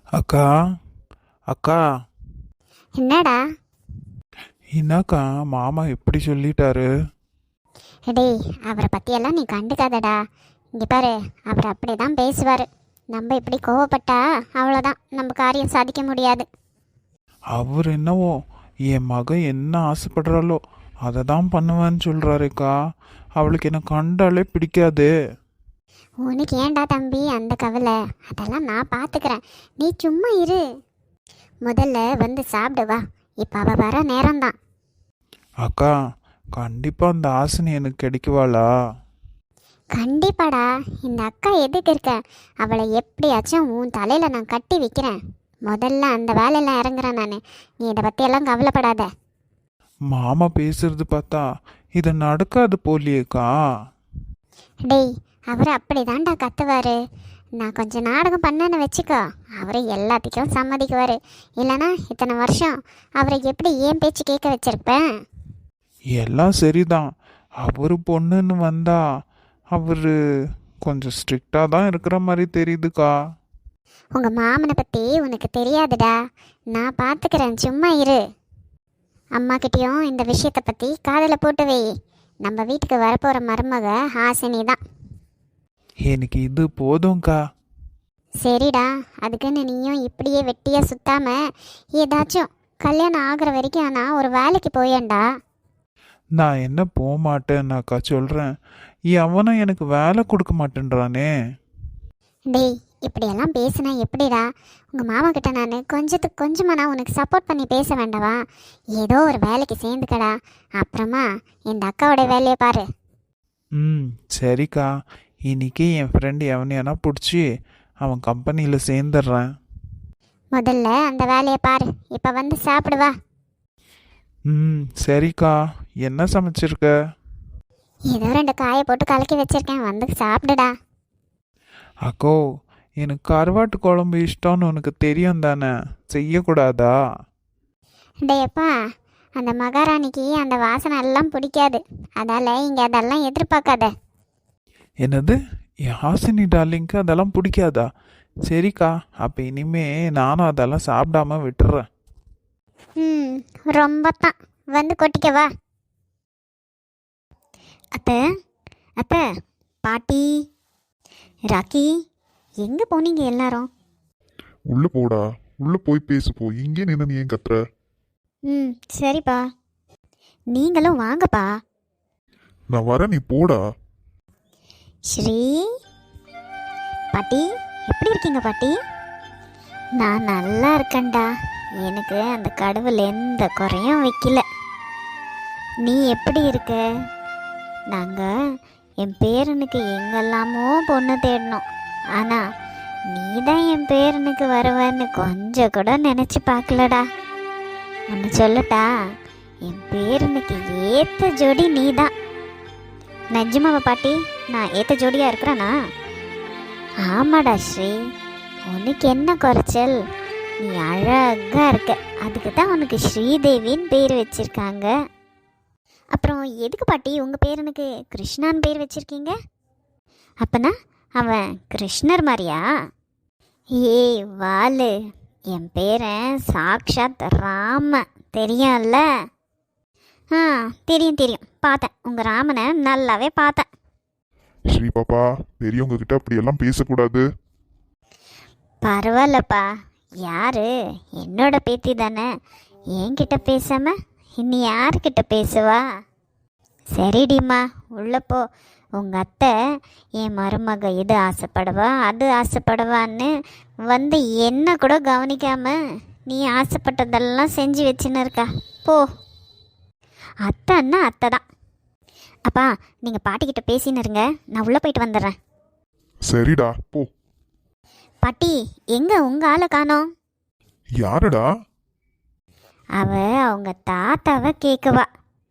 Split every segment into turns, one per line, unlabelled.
அக்கா அக்கா
என்னடா?
என்னக்கா மாமா எப்படி சொல்லிட்டாரு?
டேய், அவரை பற்றியெல்லாம் நீ கண்டுக்காதடா. இங்கே பாரு, அவர் அப்படி தான் பேசுவார். நம்ம இப்படி கோவப்பட்டா அவ்வளோதான், நம்ம காரியம் சாதிக்க முடியாது.
அவர் என்னவோ என் மக என்ன ஆசைப்படுறாளோ அதை தான் பண்ணுவேன்னு சொல்கிறாருக்கா. அவளுக்கு என்ன கண்டாலே பிடிக்காது.
உனக்கு ஏன்டா தம்பி அந்த கவலை? அதெல்லாம் நான் பார்த்துக்கிறேன், நீ சும்மா இரு. முதல்ல வந்து சாப்பிடு வா, இப்போ அவள் வர நேரம்தான்.
அக்கா கண்டிப்பாக அந்த ஆசனை எனக்கு கிடைக்குவாளா?
கண்டிப்பாடா. இந்த அக்கா எதுக்கு இருக்க? அவளை எப்படியாச்சும் உன் தலையில் நான் கட்டி வைக்கிறேன். முதல்ல அந்த வேலையெல்லாம் இறங்குறேன் நான். நீ இதை பற்றியெல்லாம் கவலைப்படாத.
மாமா பேசுறது பார்த்தா இது நடக்காது போலியேக்கா.
டேய், அவர் அப்படி தான்டா கத்துவார். நான் கொஞ்சம் நாடகம் பண்ணேன்னு வச்சுக்கோ, அவர் எல்லாத்துக்கும் சம்மதிக்குவார். இல்லைனா இத்தனை வருஷம் அவரை எப்படி ஏன் பேச்சு கேட்க வச்சிருப்பேன்?
எல்லாம் சரிதான். அவர் பொண்ணுன்னு வந்தா அவர் கொஞ்சம் ஸ்ட்ரிக்டாக தான் இருக்கிற மாதிரி தெரியுதுக்கா.
உங்கள் மாமனை பற்றி உனக்கு தெரியாதுடா, நான் பார்த்துக்கிறேன், சும்மா இரு. அம்மாக்கிட்டேயும் இந்த விஷயத்தை பற்றி காதில் போட்டு வை. நம்ம வீட்டுக்கு வரப்போகிற மருமக ஹாசினி தான்.
எனக்கு இது போதும்க்கா.
சரிடா, அதுக்குன்னு நீயும் இப்படியே வெட்டியாக சுத்தாம ஏதாச்சும் கல்யாணம் ஆகிற வரைக்கும் நான் ஒரு வேலைக்கு போயேன்டா.
நான் என்ன போக மாட்டேன்னாக்கா சொல்கிறேன். அவனும் எனக்கு வேலை கொடுக்க மாட்டேன்றானே.
டேய், இப்படியெல்லாம் பேசுனா எப்படிடா? உங்கள் மாமா கிட்ட நான் கொஞ்சத்துக்கு கொஞ்சமாக நான் உனக்கு சப்போர்ட் பண்ணி பேச வேண்டவா? ஏதோ ஒரு வேலைக்கு சேர்ந்துக்கடா, அப்புறமா இந்த அக்காவோட வேலையை பாரு.
ம் சரிக்கா. இன்னைக்கு என் ஃப்ரெண்டு எவனையானா பிடிச்சி அவன் கம்பெனியில் சேர்ந்துடுறேன்.
முதல்ல அந்த வேலையை பாரு, இப்போ வந்து சாப்பிடுவா.
ம் சரிக்கா. என்ன சமைச்சிருக்க?
ஏதோ 2 காயை போட்டு கலக்கி வச்சிருக்கேன், வந்து சாப்பிடுடா.
அக்கோ, எனக்கு கருவாட்டு குழம்பு இஷ்டம்னு உனக்கு தெரியும் தானே, செய்யக்கூடாதா?
டேப்பா, அந்த மகாராணிக்கு அந்த வாசனை எல்லாம் பிடிக்காது, அதால் இங்கே அதெல்லாம் எதிர்பார்க்காத.
என்னது, என் ஹாசினி டார்லிங்க்கு அதெல்லாம் பிடிக்காதா? சரிக்கா, அப்போ இனிமே நானும் அதெல்லாம் சாப்பிடாம விட்டுறேன்.
ம், ரொம்ப தான், வந்து கொட்டிக்கவா. அத்தை, அத்தை, பாட்டி, ராக்கி, எங்கே போனீங்க எல்லாரும்?
உள்ள போடா. உள்ள போய் பேசு போ. இங்கே நின்று நீ ஏன் கத்துற?
ம் சரிப்பா, நீங்களும் வாங்கப்பா.
நான் வரேன், நீ போடா.
ஸ்ரீ, பாட்டி, எப்படி இருக்கீங்க பாட்டி? நான் நல்லா இருக்கேன்டா, எனக்கு அந்த கடவுள் எந்த குறையும் வைக்கல. நீ எப்படி இருக்க? நாங்கள் என் பேரனுக்கு எங்கெல்லாமோ பொண்ணு தேடினோம், ஆனால் நீ தான் என் பேரனுக்கு வருவேன்னு கொஞ்சம் கூட நினச்சி பார்க்கலடா. ஒன்று சொல்லட்டா, என் பேரனுக்கு ஏற்ற ஜோடி நீ தான். நிஜமாவா பாட்டி? நான் ஏற்ற ஜோடியாக இருக்கிறேனா? ஆமாடா ஸ்ரீ, உனக்கு என்ன குறைச்சல்? நீ அழகாக இருக்க, அதுக்கு தான் உனக்கு ஸ்ரீதேவின்னு பேர் வச்சுருக்காங்க. அப்புறம் எதுக்கு பாட்டி உங்கள் பேரனுக்கு கிருஷ்ணான்னு பேர் வச்சுருக்கீங்க? அப்பனா அவன் கிருஷ்ணர் மாதிரியா? ஏய் வாலு, என் பேரன் சாக்ஷாத் ராம, தெரியும்ல? ஆ தெரியும் தெரியும், பார்த்தேன், உங்கள் ராமனை நல்லாவே பார்த்தேன்.
ஸ்ரீ பாப்பா, பெரியவங்க கிட்ட அப்படி எல்லாம் பேசக்கூடாது.
பரவாயில்லப்பா, யாரு? என்னோட பேத்தி தானே, என்கிட்ட பேசாம இனி யார்கிட்ட பேசுவா? சரிடிம்மா, உள்ள போ. உங்கள் அத்தை என் மருமக இது ஆசைப்படுவா அது ஆசைப்படுவான்னு வந்து என்ன கூட கவனிக்காம நீ ஆசைப்பட்டதெல்லாம் செஞ்சு வச்சுன்னு இருக்கா. போ. அத்தைன்னா அத்தை தான். அப்பா, நீங்கள் பாட்டிக்கிட்ட பேசின்னு இருங்க, நான் உள்ளே போயிட்டு வந்துடுறேன்.
சரிடா, போ.
பாட்டி, எங்கே உங்கள் ஆளை காணோம்?
யாருடா?
அவங்க தாத்தாவை கேட்குவா.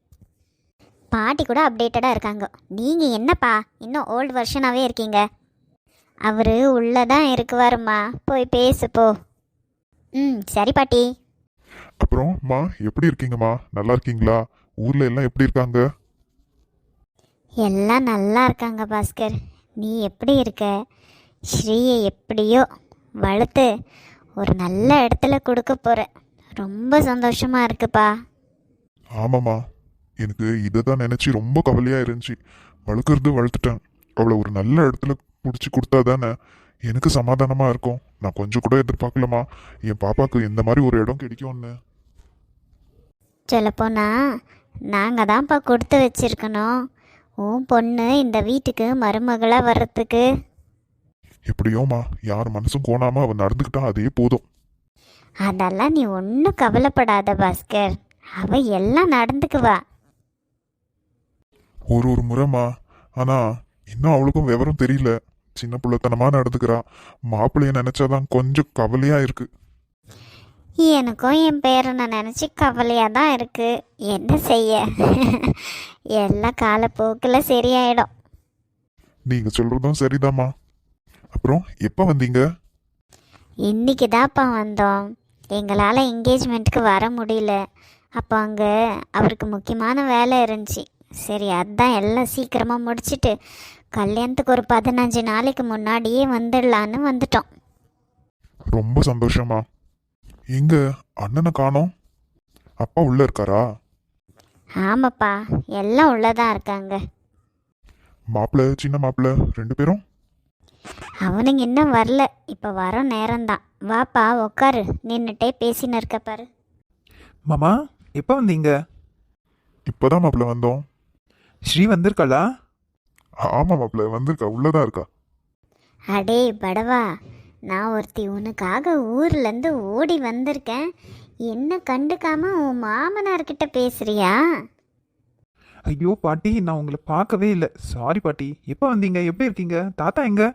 பாட்டி கூட அப்டேட்டடாக இருக்காங்க, நீங்கள் என்னப்பா இன்னும் ஓல்டு வெர்ஷனாகவே இருக்கீங்க. அவர் உள்ளே தான் இருக்குவாருமா, போய் பேசு போ. ம் சரி பாட்டி.
அப்புறம் மா, எப்படி இருக்கீங்கம்மா? நல்லா இருக்கீங்களா? ஊர்ல எல்லாம் எப்படி இருக்காங்க?
எல்லாம் நல்லா இருக்காங்க பாஸ்கர். நீ எப்படி இருக்க? ஸ்ரீயை எப்படியோ வளர்த்து ஒரு நல்ல இடத்துல கொடுக்க போகிற. ரொம்ப சந்தோஷமாக இருக்குப்பா.
ஆமாம்மா, எனக்கு இதை தான் நினச்சி ரொம்ப கவலையாக இருந்துச்சு. வளர்க்குறது வளர்த்துட்டேன். அவளை ஒரு நல்ல இடத்துல பிடிச்சி கொடுத்தா தானே எனக்கு சமாதானமாக இருக்கும். நான் கொஞ்சம் கூட எதிர்பார்க்கலம்மா என் பாப்பாவுக்கு இந்த மாதிரி ஒரு இடம் கிடைக்கும்னு.
சொல்லப்போனா நாங்கள் தான்ப்பா கொடுத்து வச்சிருக்கணும் உன் பொண்ணு இந்த வீட்டுக்கு மருமகளாக வர்றதுக்கு.
எப்படியோம்மா, யார் மனசும் கோணாமல் அவன் நடந்துக்கிட்டா அதே போதும்.
அதெல்லாம் நீ ஒன்றும் கவலைப்படாத பாஸ்கர், அவ எல்லாம் நடந்துக்குவா.
ஒரு முறைம்மா, ஆனால் இன்னும் அவளுக்கும் விவரம் தெரியல. சின்ன பிள்ளைத்தனமாக நடந்துக்கிறா. மாப்பிள்ளைய நினச்சாதான் கொஞ்சம் கவலையாக இருக்கு.
எனக்கும் என் பேரனை நினச்சி கவலையாக தான் இருக்கு. என்ன செய்ய, எல்லாம் காலப்போக்கில் சரியாயிடும்.
நீங்கள் சொல்கிறதும் சரிதாம்மா. அப்புறம் எப்போ வந்தீங்க?
இன்னைக்கு தான்ப்பா வந்தோம். எங்களால் என்கேஜ்மெண்ட்டுக்கு வர முடியல. அப்போ அங்கே அவருக்கு முக்கியமான வேலை இருந்துச்சு. சரி, அதான் எல்லாம் சீக்கிரமாக முடிச்சிட்டு கல்யாணத்துக்கு ஒரு 15 நாளைக்கு முன்னாடியே வந்துடலான்னு வந்துட்டோம்.
ரொம்ப சந்தோஷமா. எங்க அண்ணனை காணோம்? அப்பா உள்ள இருக்காரா?
ஆமாப்பா, எல்லாம் உள்ளதான் இருக்காங்க.
மாப்பிள்ள, சின்ன மாப்பிள்ள 2 பேரும்?
அவனுங்க இன்னும் வரல. இப்போ வர நேரம்தான். வாப்பா உக்காரு, நின்றுட்டே பேசின்னு இருக்க பாரு.
மாமா எப்போ வந்தீங்க?
இப்போதான் மாப்பிள்ள வந்தோம்.
ஸ்ரீ வந்திருக்காளா?
ஆமா மாப்பிள்ள வந்திருக்கா, உள்ளதான் இருக்கா.
அடே படவா, நான் ஒருத்தி உனக்காக ஊர்லேருந்து ஓடி வந்திருக்கேன். என்ன கண்டுக்காம உன் மாமனார்கிட்ட பேசுறியா?
ஐயோ பாட்டி, நான் உங்களை பார்க்கவே இல்லை. சாரி பாட்டி. எப்போ வந்தீங்க? எப்படி இருக்கீங்க? தாத்தா எங்க?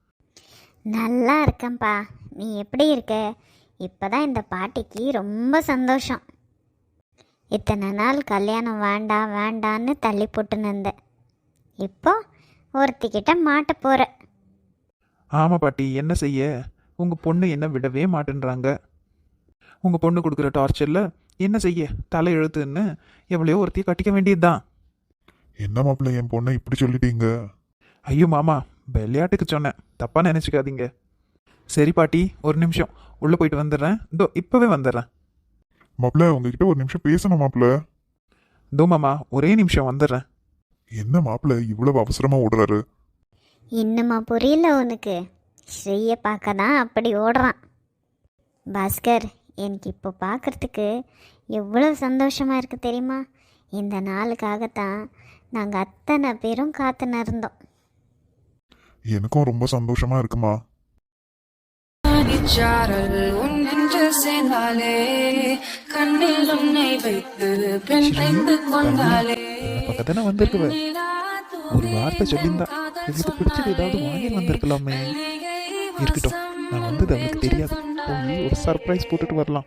நல்லா இருக்கேன்ப்பா. நீ எப்படி இருக்க? இப்போதான் இந்த பாட்டிக்கு ரொம்ப சந்தோஷம். இத்தனை நாள் கல்யாணம் வேண்டாம் வேண்டான்னு தள்ளி போட்டுன்னு இருந்தேன். இப்போ ஒருத்திக்கிட்ட மாட்ட போகிற.
ஆமாம் பாட்டி, என்ன செய்ய? உங்கள் பொண்ணு என்ன விடவே மாட்டேன்றாங்க. உங்கள் பொண்ணு கொடுக்குற டார்ச்சரில் என்ன செய்ய? தலை எழுத்துன்னு எவ்வளையோ ஒருத்தையை கட்டிக்க வேண்டியதுதான்.
என்ன மாப்பிள்ள என் பொண்ணை இப்படி சொல்லிட்டீங்க?
ஐயோ மாமா, விளையாட்டுக்கு சொன்னேன், தப்பாக நினச்சிக்காதீங்க. சரி பாட்டி, ஒரு நிமிஷம் உள்ளே போயிட்டு வந்துடுறேன். இதோ இப்போவே வந்துடுறேன்.
மாப்பிள்ள உங்ககிட்ட ஒரு நிமிஷம் பேசணும் மாப்பிள்ள.
இதோ மாமா, ஒரே நிமிஷம் வந்துடுறேன்.
என்ன மாப்பிள்ள இவ்வளவு அவசரமா ஓடுறாரு?
இன்னுமா புரியல உனக்கு? ஸ்ரீயை பார்க்க தான் அப்படி ஓடுறான். பாஸ்கர், எனக்கு இப்போ பார்க்குறதுக்கு எவ்வளோ சந்தோஷமாக இருக்குது தெரியுமா? இந்த நாளுக்காகத்தான் நாங்கள் அத்தனை பேரும் காத்துன்னு இருந்தோம்.
எனக்கும் ரொம்ப சந்தோஷமா இருக்குமா.
பக்கத்தானே வந்திருக்குவ. ஒரு வார்த்தை சொல்லியிருந்தா இவளுக்கு பிடிச்சது ஏதாவது வாங்கி வந்திருக்கலாமே. இருக்கட்டும், நான் வந்தது அவளுக்கு தெரியாது. போய் ஒரு சர்ப்ரைஸ் போட்டுட்டு வரலாம்.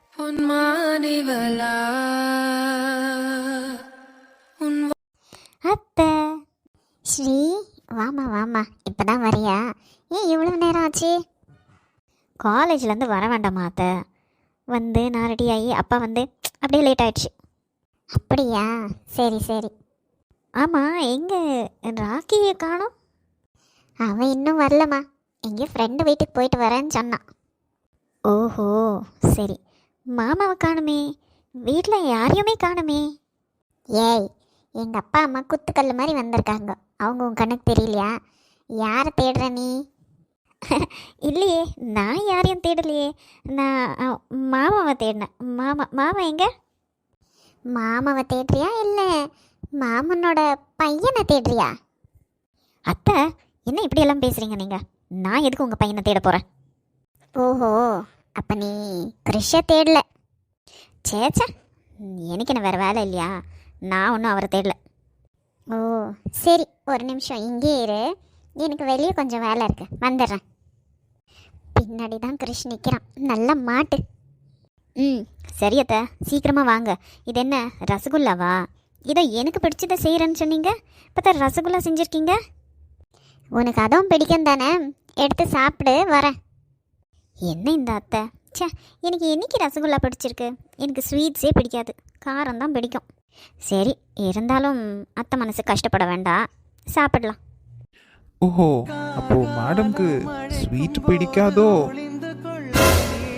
அத்தை, ஸ்ரீ வாமா வாமா, இப்போதான் வரியா? ஏன் இவ்வளோ நேரம் ஆச்சு? காலேஜ்லேருந்து வர வேண்டாமா அத்தை? வந்து நான் ரெடி ஆகி அப்பா வந்து அப்படியே லேட் ஆயிடுச்சு. அப்படியா? சரி சரி. ஆமாம், எங்கே ராக்கியை காணோம்? அவன் இன்னும் வரலம்மா. எங்கேயோ ஃப்ரெண்டு வீட்டுக்கு போயிட்டு வரேன்னு சொன்னான். ஓஹோ சரி. மாமாவை காணுமே, வீட்டில் யாரையுமே காணுமே. ஏய், எங்கள் அப்பா அம்மா குத்துக்கல் மாதிரி வந்திருக்காங்க. அவங்க உன் கணக்கு தெரியலையா? யாரை தேடுற நீ? இல்லையே, நான் யாரையும் தேடலையே. நான் மாமாவை தேடினேன். மாமா எங்க? மாமாவை தேடுறியா இல்லை மாமனோட பையனை தேடுறியா? அத்தை, என்ன இப்படியெல்லாம் பேசுகிறீங்க நீங்கள்? நான் எதுக்கு உங்கள் பையனை தேட போகிறேன்? ஓஹோ, அப்போ நீ கிருஷை தேடல. சேச்சா, எனக்கு என்ன வேறு வேலை இல்லையா? நான் ஒன்றும் அவரை தேடல. ஓ சரி, ஒரு நிமிஷம் இங்கே இரு. எனக்கு வெளியே கொஞ்சம் வேலை இருக்கு, வந்துடுறேன். பின்னாடி தான் கிருஷ் நிற்கிறான். நல்லா மாட்டு. சரியத்த, சீக்கிரமாக வாங்க. இது என்ன ரசகுல்லாவா? இதை எனக்கு பிடிச்சதை செய்கிறேன்னு சொன்னீங்க, பார்த்தா ரசகுல்லா செஞ்சுருக்கீங்க. உனக்கு அதுவும் பிடிக்கும் தானே, எடுத்து சாப்பிடு, வரேன். என்ன இந்த அத்தை? சே, எனக்கு என்னைக்கு ரசகுல்லா பிடிச்சிருக்கு? எனக்கு ஸ்வீட்ஸே பிடிக்காது, காரம் தான் பிடிக்கும். சரி, இருந்தாலும் அத்தை மனசு கஷ்டப்பட வேண்டாம், சாப்பிடலாம்.
ஓஹோ, அப்போ மேடம்க்கு ஸ்வீட் பிடிக்காதோ?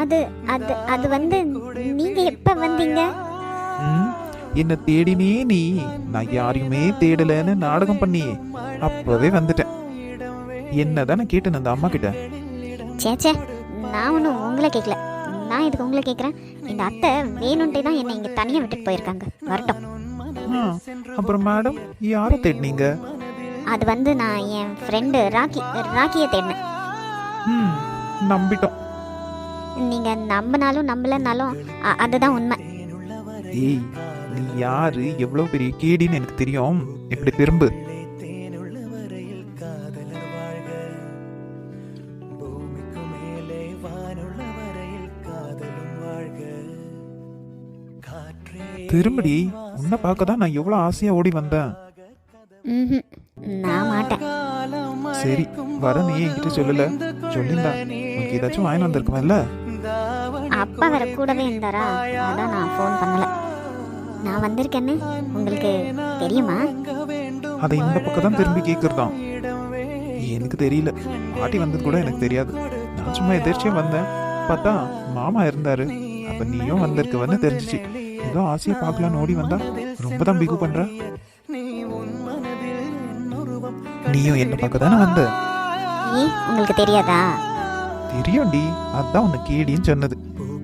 அது அது அது வந்து நீங்கள் எப்போ வந்தீங்க?
ம் என்ன தேடினே நீ, நான் யாரையுமே தேடலைன்னு நாடகம் பண்ணி அப்பவே வந்துட்டேன். என்ன தானே கேட்டேன் அந்த அம்மா கிட்ட.
சேச்சே, நான் ஒன்றும் உங்களை கேட்கல. நான் இதுக்கு உங்களை கேட்குறேன். இந்த அத்தை வேணுன்ட்டே தான் என்னை இங்கே தனியாக விட்டுட்டு போயிருக்காங்க. வரட்டும்.
ஆ, அப்புறம் மேடம் யாரை தேடினீங்க?
அது வந்து நான் என் ஃப்ரெண்டு ராக்கியை தேடினேன்.
ம் நம்பிட்டோம்.
நீங்கள் நம்பினாலும் நம்பலைனாலும் அதுதான் உண்மை.
ஏய் நீ யாரு, எவ்வளோ பெரிய கேடின்னு எனக்கு தெரியும். இப்படி திரும்பு. திரும்படி. உன்னை பார்க்க தான் நான் எவ்வளோ ஆசையா ஓடி வந்தேன்.
ம்ஹும், நான் மாட்டேன்.
சரி வர, நீ என்கிட்ட சொல்லல. சொல்லியிருந்தா உனக்கு ஏதாச்சும் வாங்கி வந்திருக்குமல்ல.
அப்பா வேற கூடவே இருந்தாரா, அதான் நான் ஃபோன் பண்ணல. நான் வந்திருக்கேன்னு உங்களுக்கு தெரியுமா?
அதை இந்த பக்கம் தான் திரும்பி கேட்கறதாம். எனக்கு தெரியல, பாட்டி வந்தது கூட எனக்கு தெரியாது. நான் சும்மா எதிர்ச்சியா வந்தேன். பார்த்தா மாமா இருந்தாரு. அப்ப நீயும் வந்திருக்கவன்னு தெரிஞ்சிச்சு. ஏதோ ஆசையா பார்க்கலான்னு ஓடி வந்தா ரொம்ப தான் பிகு பண்ற. நீயும் என்ன பார்க்க தானே வந்த.
ஏன் உங்களுக்கு தெரியாதா?
தெரியும்டி, அதான் உன்னை கேடின்னு சொன்னது.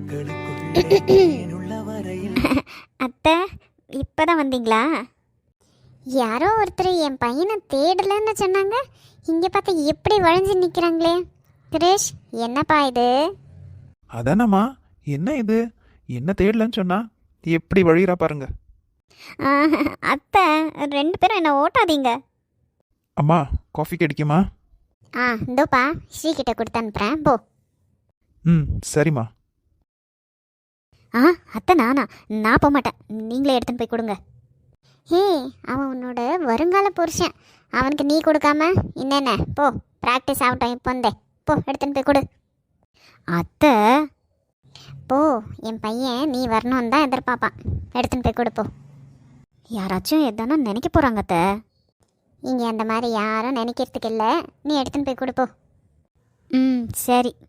அத்தை இப்பதான் வந்தீங்களா? யாரோ ஒருத்தர் என் பையனை தேடலன்னு சொன்னாங்க. இங்கே பார்த்தா எப்படி வளைஞ்சு நிற்கிறாங்களே. கிரேஷ், என்னப்பா இது?
அதானம்மா, என்ன இது? என்ன தேடலன்னு சொன்னா எப்படி வழிகிறா பாருங்க.
அத்தை, 2 பேரும் என்ன ஓட்டாதீங்க.
அம்மா காஃபி கிடைக்குமா?
இந்தோப்பா, ஸ்ரீகிட்ட கொடுத்து அனுப்புகிறேன், போ.
ம் சரிம்மா.
அத்தை நான் போக மாட்டேன். நீங்களே எடுத்துன்னு போய் கொடுங்க. ஹே, அவன் உன்னோட வருங்கால புருஷன். அவனுக்கு நீ கொடுக்காம என்னென்ன? போ, ப்ராக்டிஸ் ஆகட்டும். இப்போ வந்தே, போ எடுத்துன்னு போய் கொடு. அத்தை போ, என் பையன் நீ வரணும்னு தான் எதிர்பார்ப்பான். எடுத்துன்னு போய் கொடுப்போ. யாராச்சும் எதானா நினைக்க போகிறாங்க அத்தை. இங்கே அந்த மாதிரி யாரும் நினைக்கிறதுக்கு இல்லை. நீ எடுத்துன்னு போய் கொடுப்போ. ம் சரி.